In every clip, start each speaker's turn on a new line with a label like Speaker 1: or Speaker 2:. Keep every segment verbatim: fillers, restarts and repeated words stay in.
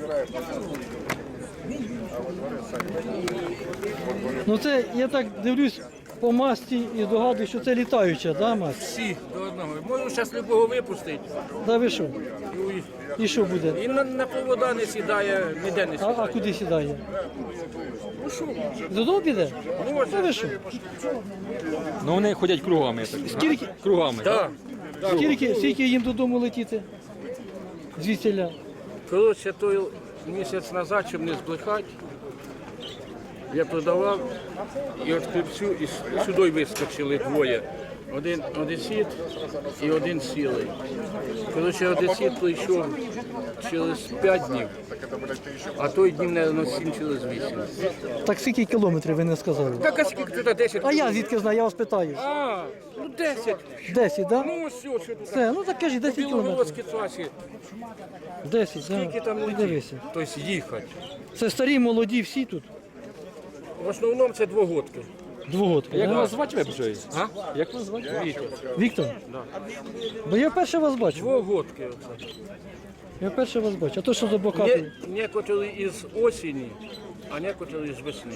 Speaker 1: Ну це, я так дивлюсь по масті і догадую, що це літаюча, да, масть?
Speaker 2: Всі до одного. Можу зараз любого випустити.
Speaker 1: Да ви що?
Speaker 2: І,
Speaker 1: І що буде?
Speaker 2: і на, на повода не сідає, ніде не
Speaker 1: А,
Speaker 2: сідає.
Speaker 1: а куди сідає?
Speaker 2: Ну що?
Speaker 1: Додому піде?
Speaker 2: Ну, ось.
Speaker 1: Та ви що?
Speaker 3: Ну вони ходять кругами. Так.
Speaker 1: Скільки,
Speaker 3: Кругами.
Speaker 2: Так.
Speaker 1: скільки, скільки їм додому летіти? Звідсіля?
Speaker 2: Коротше, той місяць назад, щоб не збрехати, я продавав і от хлібцю, і с- сюди вискочили двоє. Один одесит і один сілий. Коротше, одесит прийшов через п'ять днів, а той днів, мабуть, сім через вісім.
Speaker 1: Так скільки кілометрів ви не сказали?
Speaker 2: Так, а скільки туди десять?
Speaker 1: А я звідки знаю, я вас питаю.
Speaker 2: А, ну десять.
Speaker 1: десять, да?
Speaker 2: Ну ось, що тут.
Speaker 1: Все, ну так кажіть, десять кілометрів.
Speaker 2: Білогородській трасі.
Speaker 1: десять,
Speaker 2: Скільки
Speaker 1: да.
Speaker 2: там
Speaker 1: Ну,
Speaker 2: летить?
Speaker 1: дивися.
Speaker 2: Тобто їхати.
Speaker 1: Це старі, молоді, всі тут.
Speaker 2: В основному це двогодки.
Speaker 1: Двогодки,
Speaker 3: Як
Speaker 1: да?
Speaker 3: вас звати вибжої?
Speaker 2: А?
Speaker 3: Як вас звати?
Speaker 2: Вітя.
Speaker 1: Віктор? Бо я вперше вас бачу.
Speaker 2: Двогодки. оце.
Speaker 1: Я вперше вас бачу. А то що за
Speaker 2: Є
Speaker 1: бокати?
Speaker 2: некоторі із осені, а некоторі з весни.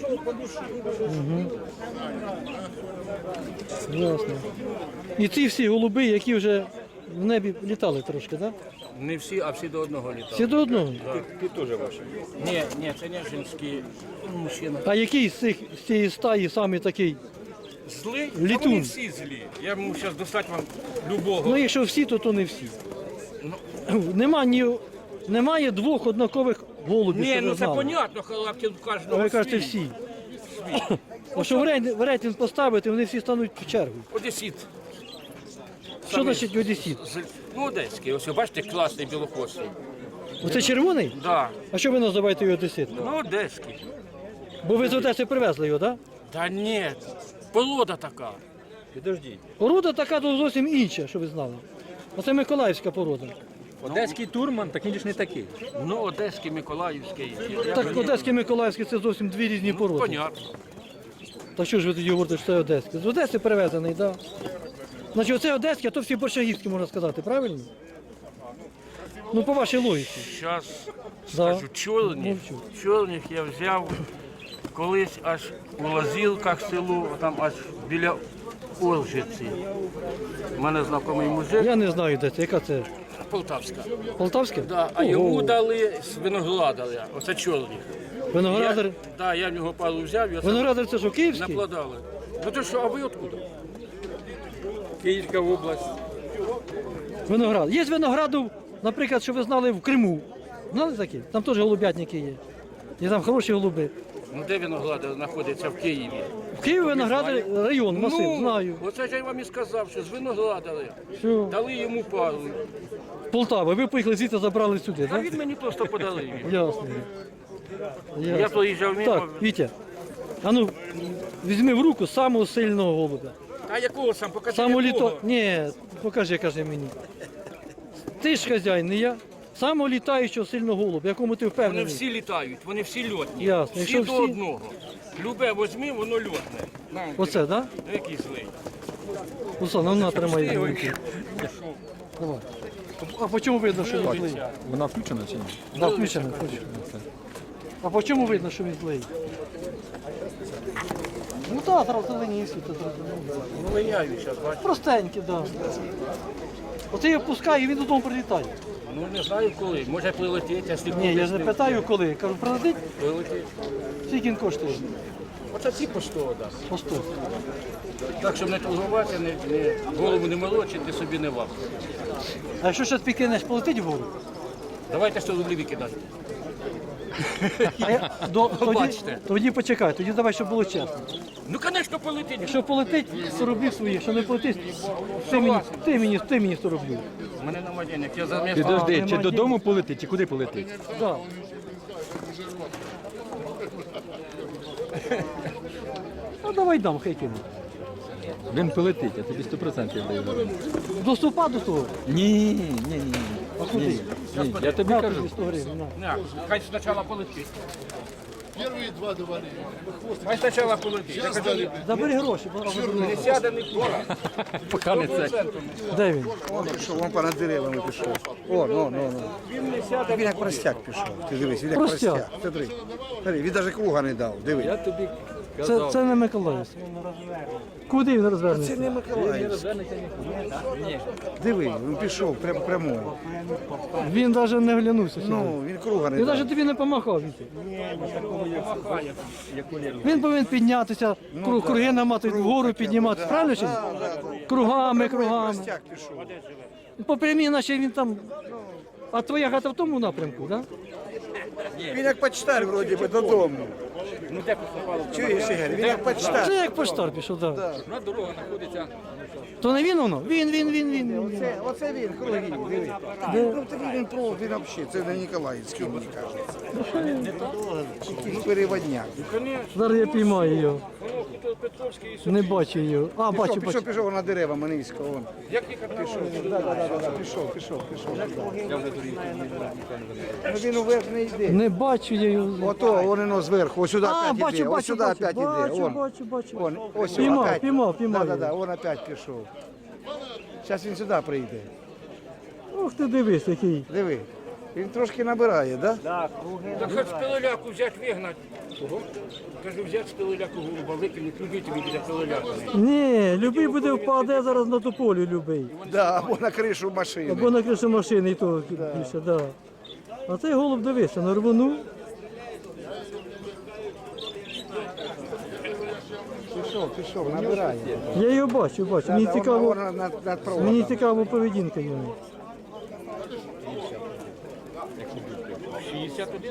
Speaker 1: Ясно. І ці всі голуби, які вже в небі літали трошки, так? Да?
Speaker 2: Не всі, а всі до одного літали.
Speaker 1: Всі до одного.
Speaker 3: Ти теж ваша.
Speaker 2: Ні, ні, це не жінські мужчини.
Speaker 1: А який з цих з цієї стаї самий такий?
Speaker 2: Злий? Та
Speaker 1: Літун.
Speaker 2: вони всі злі. Я можу зараз достати вам любого.
Speaker 1: Ну, якщо всі, то то не всі. Нема ні, немає двох однакових голубів,
Speaker 2: Ні,
Speaker 1: що ви
Speaker 2: ну це
Speaker 1: знали.
Speaker 2: понятно, характер у
Speaker 1: А
Speaker 2: кожного
Speaker 1: ви кажете
Speaker 2: свій.
Speaker 1: всі. А що в рейтинг, в рейтинг поставити, вони всі стануть в чергу.
Speaker 2: Одесит.
Speaker 1: Що значить одесіт?
Speaker 2: З- Ну, одеський. Ось, бачите, класний білохвостий.
Speaker 1: Оце червоний?
Speaker 2: Да.
Speaker 1: А що ви називаєте його одесит?
Speaker 2: Ну, одеський.
Speaker 1: Бо ви з Одеси привезли його, так?
Speaker 2: Та ні, порода така.
Speaker 3: Підождіть.
Speaker 1: Порода така то зовсім інша, що ви знали. Оце миколаївська порода.
Speaker 3: Одеський турман, так він ж не такий.
Speaker 2: Ну, одеський, миколаївський. Я
Speaker 1: Так,
Speaker 2: мені-
Speaker 1: одеський і миколаївський це зовсім дві різні
Speaker 2: Ну,
Speaker 1: породи.
Speaker 2: понятно.
Speaker 1: Та що ж ви тоді говорите, що це одеський? З Одеси привезений, так. Да. Значить, оце одеський, а то всі борщагівські, можна сказати, правильно? Ну, по вашій логіці.
Speaker 2: Зараз
Speaker 1: Да.
Speaker 2: скажу, чорних,
Speaker 1: Мовчу.
Speaker 2: чорних я взяв колись аж у Лазілках селу, там аж біля Оржиці. У мене знайомий мужик,
Speaker 1: Я не знаю, де це, яка це?
Speaker 2: Полтавська.
Speaker 1: Полтавське?
Speaker 2: Да, а
Speaker 1: Ого.
Speaker 2: йому дали з виноградаря, оце чорних.
Speaker 1: Виноградар.
Speaker 2: Я, да, я в нього пару взяв і оце
Speaker 1: Виноградар це що, київський?
Speaker 2: напладали. Ну то що, а ви откуда?
Speaker 3: Київська область.
Speaker 1: Виноград. Є винограду, наприклад, що ви знали в Криму. Знали такі? Там теж голубятники є. І там хороші голуби.
Speaker 2: Ну де виноградар знаходиться в Києві?
Speaker 1: В Києві виноградар район, масив,
Speaker 2: ну,
Speaker 1: знаю.
Speaker 2: Оце ж я вам і сказав, що з виноградаря.
Speaker 1: Що?
Speaker 2: Дали йому пару.
Speaker 1: Полтава, ви поїхали звідти, забрали сюди,
Speaker 2: А
Speaker 1: так?
Speaker 2: він мені просто подарив.
Speaker 1: Ясно.
Speaker 2: Я
Speaker 1: Ясно.
Speaker 2: проїжджав мимо.
Speaker 1: Так, Вітя, а ну, візьми в руку самого сильного голубя.
Speaker 2: А якого сам? Покажи
Speaker 1: Самого
Speaker 2: якого.
Speaker 1: літо... Ні, покажи, каже мені. Ти ж хазяїн, не я. Самого літаючого сильного голубя, якому ти
Speaker 2: Вони
Speaker 1: впевнений.
Speaker 2: всі літають, вони всі льотні.
Speaker 1: Ясно.
Speaker 2: Всі
Speaker 1: Якщо
Speaker 2: до
Speaker 1: всі-
Speaker 2: одного. Любе возьми, воно льотне. На,
Speaker 1: Оце, так? Да?
Speaker 2: який злий.
Speaker 1: Руслан, ну на, тримай.
Speaker 2: Пусти його.
Speaker 1: руки. Давай. А по чому видно, що він злий?
Speaker 3: Вона включена чи ні?
Speaker 1: Да, включено, включено. А по чому видно, що він злий? Ну так, зразу зелені всі, то зрозуміло.
Speaker 2: Ну линяють зараз, бачиш.
Speaker 1: Простенькі, так. Да. Оце я пускаю, і він додому прилітає.
Speaker 2: Ну не знаю коли. Може прилетить, якщо
Speaker 1: Ні, я ж не
Speaker 2: буде,
Speaker 1: питаю коли. Кажу, прилетить,
Speaker 2: прилетить.
Speaker 1: скільки він коштує?
Speaker 2: Оце ці по сто дасть.
Speaker 1: По сто.
Speaker 2: Так, щоб не торгуватися, не, не, голову не молочити, собі не вапти.
Speaker 1: А якщо ще підкинеш, полетить вгору?
Speaker 2: Давайте сто рублів викидати.
Speaker 1: А я, до, тоді,
Speaker 2: Бачите.
Speaker 1: тоді почекай, тоді давай, щоб було чесно.
Speaker 2: Ну, звісно, полетить.
Speaker 1: Якщо полетить, сто рублів свої, якщо не полетить, ти мені, ти мені, ти мені сто рублів.
Speaker 2: У мене нема денег, я за місто.
Speaker 3: Підожди,
Speaker 1: нема
Speaker 3: чи
Speaker 1: дій.
Speaker 3: додому полетить, чи куди полетить?
Speaker 1: Да. Ну давай дам, хай кину.
Speaker 3: Він полетить, я тобі сто відсотків даю.
Speaker 1: До ступа до того.
Speaker 3: Ні, ні, ні, ні.
Speaker 1: А куди?
Speaker 3: Ні, ні. Я тобі
Speaker 1: На
Speaker 3: кажу.
Speaker 1: тобі сто гривень, на.
Speaker 2: Не, хай спочатку полетить.
Speaker 4: Первые два давали.
Speaker 2: Хай спочатку полетить. Я кажу,
Speaker 1: Забери гроші, бо
Speaker 2: не сяде, не пора.
Speaker 3: Поки не це.
Speaker 1: де він?
Speaker 5: Он пішов, вон понад деревами пішов. О, ну, ну, ну.
Speaker 2: Він не сяде.
Speaker 5: Він як простяк пішов. Ти дивись, він як
Speaker 1: Простяк.
Speaker 5: простяк. Смотри. Смотри, він навіть круга не дав. Диви.
Speaker 3: Я тобі
Speaker 1: Це,
Speaker 3: казав.
Speaker 1: це не Миколаївський. Куди він
Speaker 5: Це
Speaker 1: розвернеться?
Speaker 5: не Миколаївський. Диви, він пішов прям прямою.
Speaker 1: Він навіть не глянувся сюди.
Speaker 5: Ну, він круга не
Speaker 1: Він
Speaker 5: дав.
Speaker 1: навіть тобі не помахав. Вітя. Він повинен піднятися, круг, круги наматувати, вгору підніматися. Правильно чи ні? Кругами, кругами.
Speaker 5: Простяк пішов.
Speaker 1: По прямій, наче він там. А твоя хата в тому напрямку, так?
Speaker 5: Він як почтар вроді би додому.
Speaker 2: Ну де поступало?
Speaker 5: Чуєш, Ігор, він як
Speaker 1: Да?
Speaker 5: почтар.
Speaker 1: Це як поштар пішов, так. Да.
Speaker 3: На дорога знаходиться.
Speaker 1: То не він воно? Він, він, він, він. він.
Speaker 5: Оце, оце він, круги, диви. Ну, то він, він, про- він взагалі, це не Ніколаївський, мені кажеться. Якийсь переводняк.
Speaker 1: Зараз я піймаю його.
Speaker 2: Петровський і
Speaker 1: Не бачу його. А, бачу,
Speaker 5: Пішов,
Speaker 1: бачу.
Speaker 5: пішов, пішов на дерева низько. Вон.
Speaker 2: Як їхати?
Speaker 5: Да, да, да, да, да. Пішов, пішов, пішов. Ну він уверх не йде.
Speaker 1: Не бачу я його.
Speaker 5: Ото, вон воно зверху, ось сюди
Speaker 1: А,
Speaker 5: опять
Speaker 1: бачу,
Speaker 5: іде, ось
Speaker 1: бачу,
Speaker 5: сюди
Speaker 1: бачу.
Speaker 5: опять іде.
Speaker 1: Бачу,
Speaker 5: Вон,
Speaker 1: бачу, бачу.
Speaker 5: вон, ось
Speaker 1: Піймав,
Speaker 5: опять.
Speaker 1: піймав, піймав
Speaker 5: Да, да, да,
Speaker 1: його.
Speaker 5: вон опять пішов. Зараз він сюди прийде.
Speaker 1: Ух ти дивись, який.
Speaker 5: Диви. Він трошки набирає, да?
Speaker 2: Так хоч пилоляку взяти вигнати. Кажу, взяти з пилоляку голуба, викинути, любителі біля пилоляку.
Speaker 1: Ні, любий буде впаде зараз на тополю, любий.
Speaker 5: Да, або на кришу машини.
Speaker 1: Або на кришу машини і то більше, да. А цей голуб дивися, на рвону.
Speaker 5: Пішов, пішов, набирає.
Speaker 1: Я його бачу, бачу. Мені
Speaker 5: Да, да,
Speaker 1: цікаво,
Speaker 5: вон над, над проводом.
Speaker 1: мені цікаво поведінка його.
Speaker 2: шістдесят один?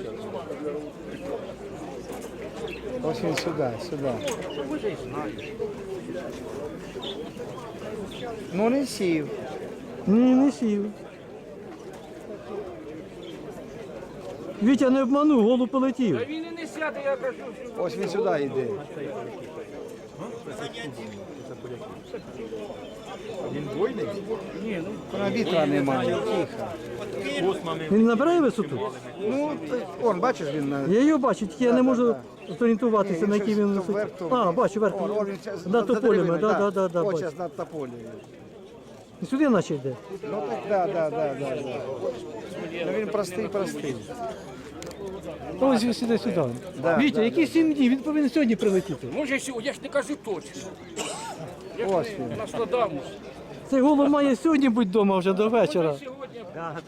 Speaker 5: Ось він сюди, сюди. Ну не сів.
Speaker 1: Ні, не сів. Вітя не обманув, голуб полетів.
Speaker 2: Та він і не сяде, я кажу, що
Speaker 5: Ось він сюди йде. Вона вітра немає, тихо.
Speaker 1: Він набирає висоту?
Speaker 5: Ну, т- он, бачиш, він на...
Speaker 1: Я його бачу, тільки я не можу зорієнтуватися,
Speaker 5: Ні,
Speaker 1: на якій
Speaker 5: щось
Speaker 1: він
Speaker 5: то
Speaker 1: висоті.
Speaker 5: вверх, то
Speaker 1: А,
Speaker 5: вниз.
Speaker 1: бачу, верх.
Speaker 5: О, он він щас
Speaker 1: Над
Speaker 5: за
Speaker 1: тополями,
Speaker 5: деревами,
Speaker 1: да, да, да, да,
Speaker 5: Ось
Speaker 1: бачу.
Speaker 5: зараз над тополею.
Speaker 1: І сюди наче йде.
Speaker 5: Ну так, да, да, да, да, да. Ну він простий, простий.
Speaker 1: Ось він сюди сюди.
Speaker 5: Да,
Speaker 1: Вітя,
Speaker 5: да,
Speaker 1: які сім днів? Він повинен сьогодні прилетіти.
Speaker 2: може сьогодні, я ж не кажу точно. Я
Speaker 5: Ось
Speaker 2: ж
Speaker 5: він.
Speaker 2: не Нострадамус.
Speaker 1: Цей голуб має сьогодні бути вдома вже до вечора.
Speaker 2: Сьогодні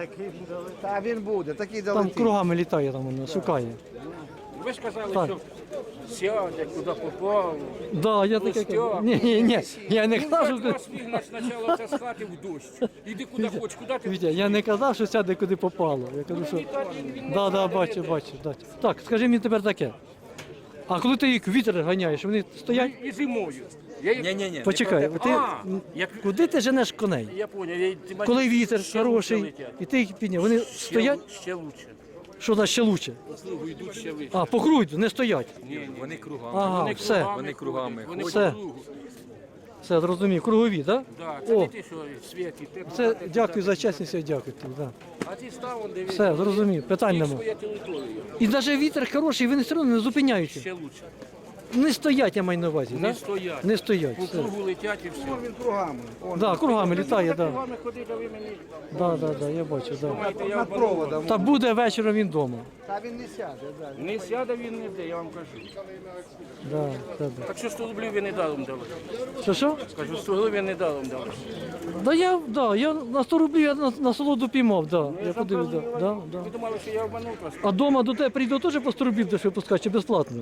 Speaker 5: Та він буде, такий
Speaker 1: Там
Speaker 5: долетить.
Speaker 1: кругами літає, там воно шукає.
Speaker 2: ви ж казали,
Speaker 1: Так.
Speaker 2: що сяде, куди попав.
Speaker 1: Да, я таке кажу. Ні, ні, ні. Я не
Speaker 2: Ну,
Speaker 1: казав, що...
Speaker 2: вас вигнать спочатку це з хати в дощ. Іди куди хочеш, куди ти.
Speaker 1: Вітя, я не казав, що сяде куди попало. Я кажу, що... Да, да, бачу, бачу. Да. Так, скажи мені тепер таке. А коли ти їх вітер ганяєш, вони стоять?
Speaker 2: І зимою. Я їх...
Speaker 3: Ні-ні-ні.
Speaker 1: Почекай, ти...
Speaker 2: А, як...
Speaker 1: куди ти женеш коней?
Speaker 2: Я поняв. Я... ти мене-
Speaker 1: Коли вітер
Speaker 2: ще
Speaker 1: хороший,
Speaker 2: лучше летять.
Speaker 1: і ти їх підняв, вони
Speaker 2: Ще
Speaker 1: стоять?
Speaker 2: лу- Ще лучше.
Speaker 1: Що значить ще лучше?
Speaker 2: Послугу йдуть ще вище.
Speaker 1: А, по кругу, не стоять.
Speaker 3: Вони кругами.
Speaker 1: Ага,
Speaker 2: Вони
Speaker 1: все,
Speaker 2: кругами
Speaker 3: Вони кругами
Speaker 2: ходять, Вони
Speaker 1: Все.
Speaker 2: по кругу.
Speaker 1: все, зрозумів. Кругові, так?
Speaker 2: Да, це
Speaker 1: О,
Speaker 2: не ти, що світі. Ти
Speaker 1: це
Speaker 2: куди ти
Speaker 1: дякую
Speaker 2: туди.
Speaker 1: за чесність, я дякую тобі. Да.
Speaker 2: А ти став, он дивись.
Speaker 1: Все, зрозумів, питань
Speaker 2: Їх
Speaker 1: нема.
Speaker 2: своя територія.
Speaker 1: І навіть вітер хороший, вони все одно не зупиняються.
Speaker 2: Ще лучше.
Speaker 1: Не стоять, я маю на увазі.
Speaker 2: Не
Speaker 1: да?
Speaker 2: стоять.
Speaker 1: Не стоять.
Speaker 2: По
Speaker 1: Все.
Speaker 2: кругу летять і все.
Speaker 5: Він кругами. Он,
Speaker 1: Да, кругами літає, да.
Speaker 2: Кругами ходить, а ви мені
Speaker 1: Да, да, да, я бачу, да.
Speaker 2: думаєте, я
Speaker 5: над
Speaker 2: обманув.
Speaker 5: проводом.
Speaker 1: Та буде вечором він вдома.
Speaker 5: Та він не сяде, да.
Speaker 2: Не сяде він ніде, я вам кажу.
Speaker 1: Да, да, да.
Speaker 2: Так що сто рублів ви не даром дали.
Speaker 1: Що, що?
Speaker 2: Скажу, сто рублів не даром дали.
Speaker 1: Да я, да, я на сто рублів я на, на солоду піймав, да. Я подивився, да, да, да.
Speaker 2: Ви думали, що я обманув вас?
Speaker 1: А дома до тебе прийду теж по сто рублів будеш випускати, чи безплатно?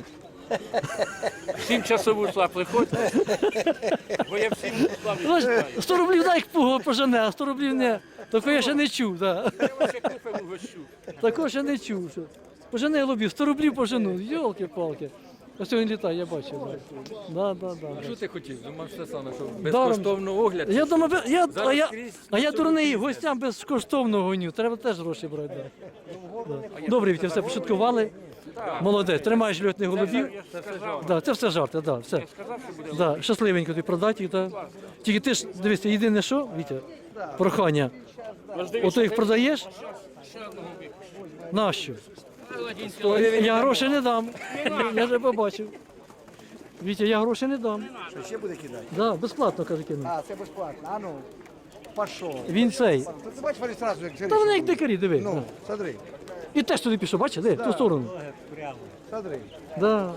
Speaker 2: Сім часов ушла, приходьте. Бо я всім славі
Speaker 1: Знаєш,
Speaker 2: читаю.
Speaker 1: сто рублів дай як пуго пожене, а сто рублів не. Такого я ще не чув, да.
Speaker 2: Я вас ще купив угощу.
Speaker 1: Такого ще не чув. Що. Пожене голубів, сто рублів пожену, йолки-палки. Ось він літає, я бачу. Да. Да, да, да.
Speaker 3: Що ти хотів? Думав все саме, що
Speaker 1: Даром.
Speaker 3: безкоштовно огляд.
Speaker 1: Я думаю, бе- я, а
Speaker 3: Зараз
Speaker 1: я,
Speaker 3: скрізь
Speaker 1: а я
Speaker 3: всюди
Speaker 1: дурний,
Speaker 3: купити.
Speaker 1: гостям безкоштовно гоню. Треба теж гроші брати. Да. Да. Добре, Вітя, все пошуткували. Молодець, тримаєш льотних голубів.
Speaker 2: Я ж сказав,
Speaker 1: Да, це все жарти, да, все.
Speaker 2: сказав, що буде.
Speaker 1: Да, щасливенько ти продати їх. Да. Тільки ти ж, дивися, єдине що, Вітя, прохання. Ото їх продаєш?
Speaker 2: Ще одного випущу.
Speaker 1: Нащо? Я гроші не дам. Я вже побачив. Вітя, я гроші не дам.
Speaker 5: Що ще буде кидати?
Speaker 1: Да, безплатно, каже, кину.
Speaker 5: А, це безплатно. А ну, пішов.
Speaker 1: Він цей.
Speaker 5: То ти бачиш, вони одразу як
Speaker 1: Та вони як дикарі, диви.
Speaker 5: Ну, смотри,
Speaker 1: І теж туди пішов, бачиш, де, в ту сторону.
Speaker 5: смотри.
Speaker 1: Да.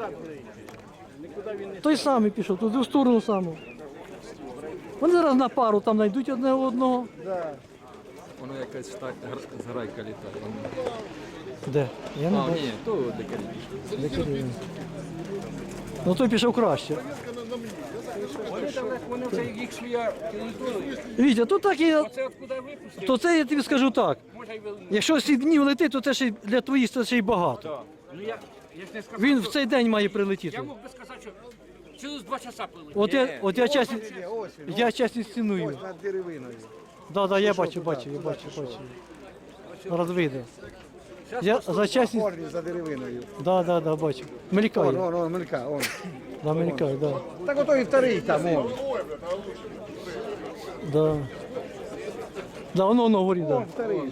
Speaker 1: Той самий пішов, туди в сторону саму. Вони зараз на пару там знайдуть одне одного.
Speaker 5: Да.
Speaker 3: Воно якась так гр- зграйка літає.
Speaker 1: Де? Я не
Speaker 3: А,
Speaker 1: бачу.
Speaker 3: ні, то дикарі.
Speaker 1: Дикарі. Ну той пішов краще.
Speaker 2: Вони там, вони це їх швія територію.
Speaker 1: Вітя, то так і.
Speaker 2: Оце откуда випустив,
Speaker 1: То це я тобі скажу так.
Speaker 2: може й вели.
Speaker 1: Якщо сім днів летить, то це ще й для твоїх це ще й багато.
Speaker 2: Ну я, я ж не сказав,
Speaker 1: Він в
Speaker 2: що-
Speaker 1: цей день має
Speaker 2: Я
Speaker 1: прилетіти.
Speaker 2: мог би сказати, що через два часа прилетів.
Speaker 1: От я, от я чесно,
Speaker 5: Ні, ось він,
Speaker 1: я чесно ціную.
Speaker 5: ось над деревиною.
Speaker 1: Да, да, я бачу, бачу, я бачу, бачу. Зараз вийде. Я за чесність,
Speaker 5: Корні за деревиною.
Speaker 1: да, да, да, бачу.
Speaker 5: Он,
Speaker 1: Мелькає,
Speaker 5: он, он, мелька, он.
Speaker 1: да, мелькає, да.
Speaker 5: Так ото і вторий там, он.
Speaker 1: Да. Да, воно, воно горить, да.
Speaker 5: Он вторий.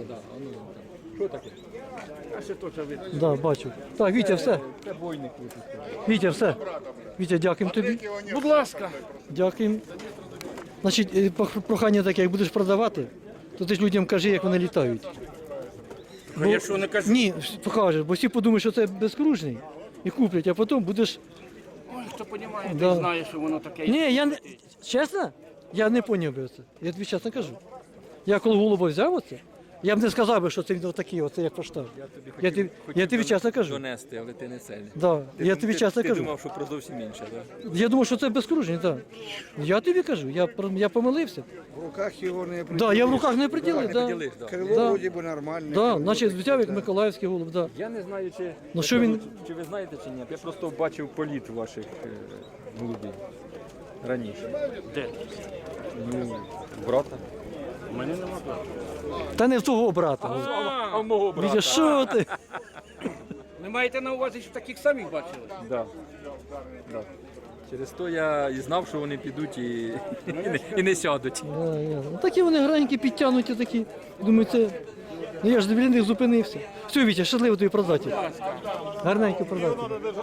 Speaker 2: А ще то вже видно.
Speaker 1: Да, бачу. Так, Вітя, все. Вітя, все. Вітя, дякуємо тобі.
Speaker 2: Будь ласка.
Speaker 1: Дякуємо. Значить, е, пох- прохання таке, як будеш продавати, то ти ж людям кажи, як вони літають.
Speaker 2: А я що не кажу?
Speaker 1: Ні, покажеш, бо всі подумають, що це безкружний і куплять, а потім будеш.
Speaker 2: Ой, хто розуміє,
Speaker 1: Да.
Speaker 2: той знає, що воно таке.
Speaker 1: Ні, я не чесно, я не поняв би це. Я тобі чесно кажу. Я коли голуба взяв оце, я б не сказав би, що це він такий, оце як поштар. Я тобі, я тобі чесно кажу.
Speaker 3: Донести, але ти не це.
Speaker 1: Да, я тобі чесно
Speaker 3: ти
Speaker 1: кажу.
Speaker 3: думав, що про зовсім інше, так?
Speaker 1: Я думав, що це безкружний, так. Я тобі кажу, я, про- я помилився.
Speaker 5: В руках його не
Speaker 1: Да, я в руках не приділив. Да.
Speaker 3: Приділиш, да.
Speaker 5: Крило
Speaker 1: Да.
Speaker 5: вроді би нормальне.
Speaker 1: Да, значить, взяв як Миколаївський голуб, да.
Speaker 3: Я не знаю, чи,
Speaker 1: Ну, що він-
Speaker 3: чи ви знаєте чи ні. Я просто бачив політ ваших е, голубів раніше.
Speaker 2: Де?
Speaker 3: Ну, брата.
Speaker 2: У мене нема плану.
Speaker 1: Та не в того брата.
Speaker 3: А в мого
Speaker 1: Вітя, що ти?
Speaker 2: Ви маєте на увазі, що таких самих бачили?
Speaker 3: Да. Да. Через то я і знав, що вони підуть і, і, не, і не сядуть.
Speaker 1: Да, ясно. Ну, такі вони гранькі, підтягнуті такі. Думаю, це. Ну я ж біля них зупинився. Все, Вітя, щасливо тобі продати. Гарненько продати.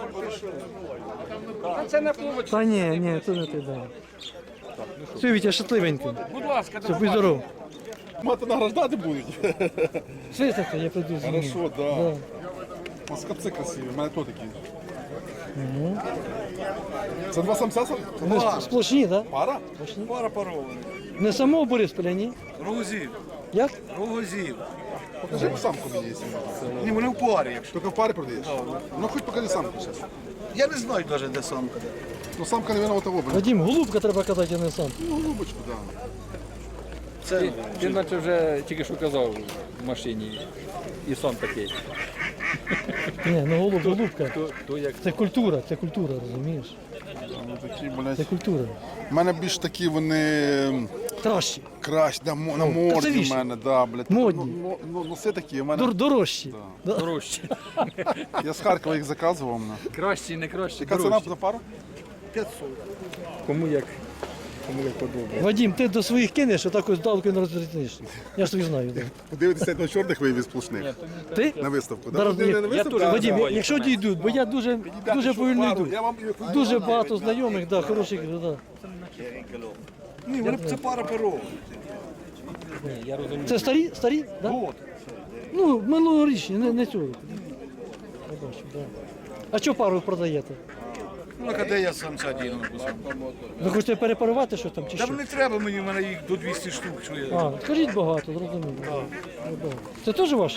Speaker 2: А це на повод.
Speaker 1: Та ні, ні, це не ти, да. Все, Вітя, щасливенько.
Speaker 2: Будь ласка,
Speaker 1: Все, будь здоров.
Speaker 4: Мати награждати будуть.
Speaker 1: Свистати, я прийду з ними.
Speaker 4: Хорошо, да. А скапці красиві, в мене то такі. Це два самця? сам?
Speaker 1: Вони ж сплошні, так?
Speaker 4: Пара?
Speaker 5: Пара парова.
Speaker 1: Не самого Борисполя, ні?
Speaker 5: Рогозів.
Speaker 1: Як?
Speaker 5: Рогозів.
Speaker 4: Покажи самку мені, якщо можна.
Speaker 5: Ні, вони в парі, якщо.
Speaker 4: Тільки в парі продаєш? Ну хоч покажи самку зараз.
Speaker 5: Я не знаю навіть, де самка.
Speaker 4: Ну самка, мабуть, того буде.
Speaker 1: Вадим, голубка треба казати, а не сам.
Speaker 4: Ну, голубочку, да.
Speaker 3: Ти, ти наче вже тільки що казав в машині. І сам такий.
Speaker 1: Ні, ну голуб, голубка.
Speaker 3: То, то як
Speaker 1: Це культура, це культура, розумієш?
Speaker 4: Ну, такі, блядь.
Speaker 1: Це культура.
Speaker 4: У мене більш такі вони
Speaker 1: Кращі,
Speaker 4: кращі, да, мо- на морді в
Speaker 1: красивіші.
Speaker 4: мене, да, блядь.
Speaker 1: Модні.
Speaker 4: Ну, ну, ну, носи такі, у мене.
Speaker 1: дор- дорожчі. Да.
Speaker 3: дорожче.
Speaker 4: Я з Харкова їх заказував. на.
Speaker 3: Кращі, не кращі,
Speaker 4: Яка ціна
Speaker 3: дорожчі.
Speaker 4: за пару?
Speaker 3: Кому як, кому як подобається.
Speaker 1: Вадим, ти до своїх кинеш, отак ось далеко не розрізниш. Я ж тобі знаю. Да.
Speaker 4: Подивитися на чорних виявів сплошних.
Speaker 1: Ти?
Speaker 4: На виставку. да?
Speaker 1: Зараз,
Speaker 4: Ну,
Speaker 1: ні,
Speaker 4: не на
Speaker 3: я
Speaker 4: виставку,
Speaker 3: теж,
Speaker 4: а
Speaker 1: Вадим,
Speaker 4: на-
Speaker 1: я- якщо дійдуть, бо я дуже,
Speaker 4: Дайте,
Speaker 1: дуже
Speaker 4: що
Speaker 1: повільно
Speaker 4: пару,
Speaker 1: йду.
Speaker 4: я вам-
Speaker 1: Дуже багато знайомих, да, хороших, да.
Speaker 5: Ні, вони це пара парова.
Speaker 3: Я розумію.
Speaker 1: Це старі? Старі? Да? Ну, минулорічні, не, не цього року. Я бачу, да. А що пару продаєте?
Speaker 5: Ну, а де я самця діну?
Speaker 1: Ви хочете перепарувати що там чи
Speaker 5: Та
Speaker 1: що?
Speaker 5: не треба мені, в мене їх до двісті штук. Що я...
Speaker 1: А, скажіть багато, зрозуміло. Да. Це теж ваше?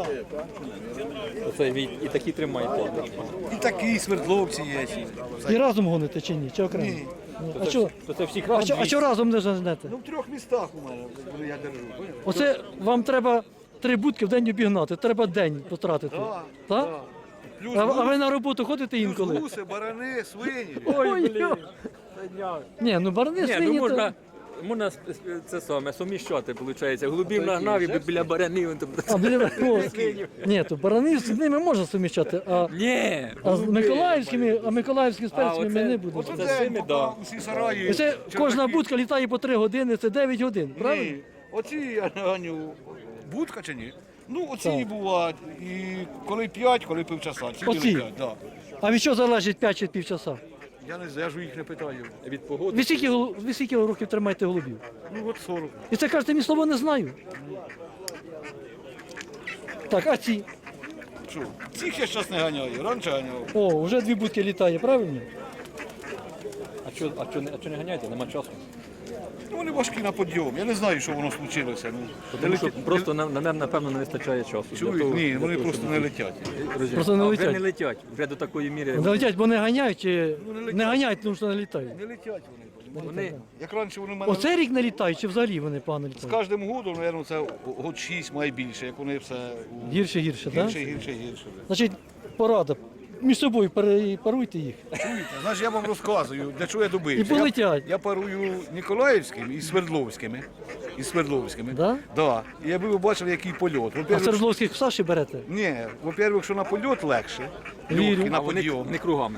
Speaker 3: Оце ви і такі тримаєте.
Speaker 5: І такі свердловці є.
Speaker 1: І разом гоните чи ні? Чи окремо?
Speaker 5: Ні.
Speaker 1: Ну, а що?
Speaker 3: То це всіх
Speaker 1: А
Speaker 3: разом
Speaker 1: що, а що разом не женете?
Speaker 5: Ну, в трьох містах у мене, коли я держу. поняв?
Speaker 1: Оце вам треба три будки в день обігнати, треба день потратити. Так?
Speaker 5: Плюс
Speaker 1: А, а ви на роботу ходите інколи?
Speaker 5: гуси, барани, свині.
Speaker 1: Ой, блін. Ні, ну барани
Speaker 3: Ні,
Speaker 1: свині
Speaker 3: ну
Speaker 1: то...
Speaker 3: можна, можна с- с- це саме суміщати, виходить. Голубів нагнав і біля баранів. він там-
Speaker 1: А, біля... О, ні, то барани з ними можна суміщати, а,
Speaker 3: Ні,
Speaker 1: а з миколаївськими, а миколаївські з перцями ми
Speaker 3: оце-
Speaker 1: не будемо.
Speaker 3: оце- Це з цими, да.
Speaker 5: Усі сараї.
Speaker 1: І це кожна
Speaker 5: чердаки.
Speaker 1: будка літає по три години, це дев'ять годин, правильно?
Speaker 5: Ні. Оці, я ганю, будка чи ні? Ну, оці
Speaker 1: Так.
Speaker 5: бувають. І коли п'ять, коли півчаса. Ці
Speaker 1: Оці?
Speaker 5: летять, да.
Speaker 1: А від чого залежить п'ять чи півчаса?
Speaker 5: Я не знаю, я ж їх не питаю.
Speaker 3: Від погоди.
Speaker 1: Ви скільки, голу- ви скільки років тримаєте голубів?
Speaker 5: Ну, от сорок.
Speaker 1: І це кажете, мені слово не знаю. Так, а ці?
Speaker 5: Що? Цих я зараз не ганяю, раніше ганяв.
Speaker 1: О, вже дві будки літає, правильно?
Speaker 3: А що, а що, не- а що не ганяєте? Нема часу.
Speaker 5: Ну, вони важкі на підйом. Я не знаю, що воно случилося. Ну,
Speaker 3: Тому що
Speaker 5: летять-
Speaker 3: просто нам, нам, напевно, не вистачає часу. для
Speaker 5: Чують?
Speaker 3: того-
Speaker 5: Ні,
Speaker 3: для
Speaker 5: вони
Speaker 3: того,
Speaker 5: просто
Speaker 3: щоб
Speaker 5: не
Speaker 3: летіти.
Speaker 5: летять.
Speaker 3: Розумію.
Speaker 1: Просто не
Speaker 3: А
Speaker 1: летять.
Speaker 3: Вже не летять, вже до такої міри.
Speaker 1: Не летять, бо не ганяють чи
Speaker 5: Ну, не летять.
Speaker 1: не ганяють, тому що не літають.
Speaker 5: Не летять вони.
Speaker 3: Вони,
Speaker 5: Як раніше вони в мене
Speaker 1: Оце рік не літають, чи взагалі вони погано
Speaker 5: з
Speaker 1: літають?
Speaker 5: кожним годом, мабуть, це год шість має більше, як вони все у-
Speaker 1: Гірше, гірше, так?
Speaker 5: гірше, гірше, гірше.
Speaker 1: Значить, порада. Між собою пере- паруйте їх.
Speaker 5: Чуєте? Знаєш, я вам розказую, для чого я добився.
Speaker 1: І полетять.
Speaker 5: Я, я парую Ніколаївським і Свердловськими. І Свердловськими.
Speaker 1: Да?
Speaker 5: Да. І я би ви бачили, який польот.
Speaker 1: А
Speaker 5: Во-первых,
Speaker 1: Свердловських в Саші берете?
Speaker 5: ні, во-первых, що на польот легше.
Speaker 1: Вірю.
Speaker 5: Легкий на
Speaker 3: а вони
Speaker 5: підйом.
Speaker 3: не кругами.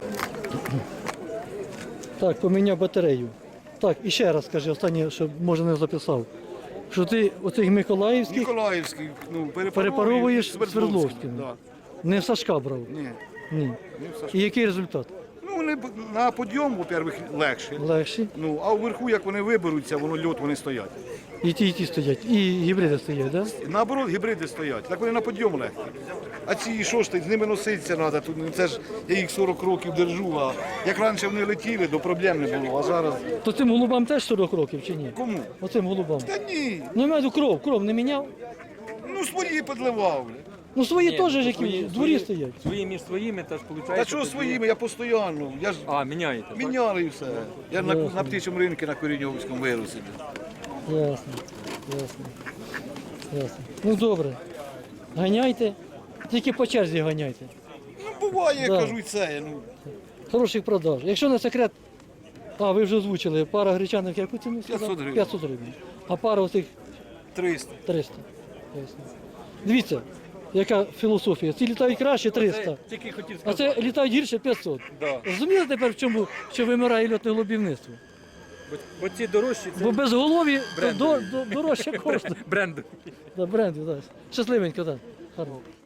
Speaker 1: Так, поміняв батарею. Так, і ще раз скажи, останнє, щоб може не записав. Що ти оцих Миколаївських
Speaker 5: Ніколаївський, ну,
Speaker 1: перепаровуєш
Speaker 5: Свердловським.
Speaker 1: Свердловськими.
Speaker 5: Да.
Speaker 1: не в Сашка брав.
Speaker 5: Ні.
Speaker 1: Ні.
Speaker 5: не в Сашко.
Speaker 1: І який результат?
Speaker 5: Ну, вони б- на підйом, во-первых, легше.
Speaker 1: Легші.
Speaker 5: Ну, а вверху, як вони виберуться, воно льот, вони стоять.
Speaker 1: І ті, і ті стоять. І гібриди стоять, так? Да?
Speaker 5: Наоборот, гібриди стоять. Так вони на підйом легкі. А ці що ж ти, з ними носитися треба. Тут ну, це ж я їх сорок років держу. А як раніше вони летіли, то проблем не було. А зараз
Speaker 1: То цим голубам теж сорок років чи ні?
Speaker 5: кому?
Speaker 1: Оцим голубам.
Speaker 5: Та ні.
Speaker 1: Ну, я маю на увазі, кров, кров не міняв.
Speaker 5: Ну свої підливав. бля.
Speaker 1: Ну свої
Speaker 3: Ні,
Speaker 1: теж
Speaker 3: ну,
Speaker 1: які
Speaker 3: свої-
Speaker 1: в дворі
Speaker 3: свої-
Speaker 1: стоять.
Speaker 3: Свої між своїми теж виходить.
Speaker 5: Та що своїми, я постійно. Я ж
Speaker 3: А, міняєте. так?
Speaker 5: міняли і все. Я на,
Speaker 1: Ясно.
Speaker 5: на птичому ринку на Коріньовському вирусі.
Speaker 1: Ясно, ясно, ясно. Ну добре. Ганяйте. Тільки по черзі ганяйте.
Speaker 5: Ну буває, я
Speaker 1: Да.
Speaker 5: кажу, і це. Ну,
Speaker 1: Хороших продаж. Якщо не секрет, а ви вже озвучили, пара гречаних яку ціну? сказав?
Speaker 5: п'ятсот гривень.
Speaker 1: п'ятсот гривень. А пара оцих
Speaker 5: триста.
Speaker 1: триста. Ясно. Дивіться, яка філософія. Ці літають краще триста,
Speaker 3: Тільки хотів
Speaker 1: а
Speaker 3: сказати.
Speaker 1: це літають гірше п'ятсот.
Speaker 3: Да.
Speaker 1: Розумієте тепер, в чому що вимирає льотне голубівництво?
Speaker 3: Бо, бо ці дорожчі це
Speaker 1: Бо без голові то
Speaker 3: брендові.
Speaker 1: до, до, дорожче коштує.
Speaker 3: бренди.
Speaker 1: Да, бренди, да. Щасливенько, так. Да. Гарно.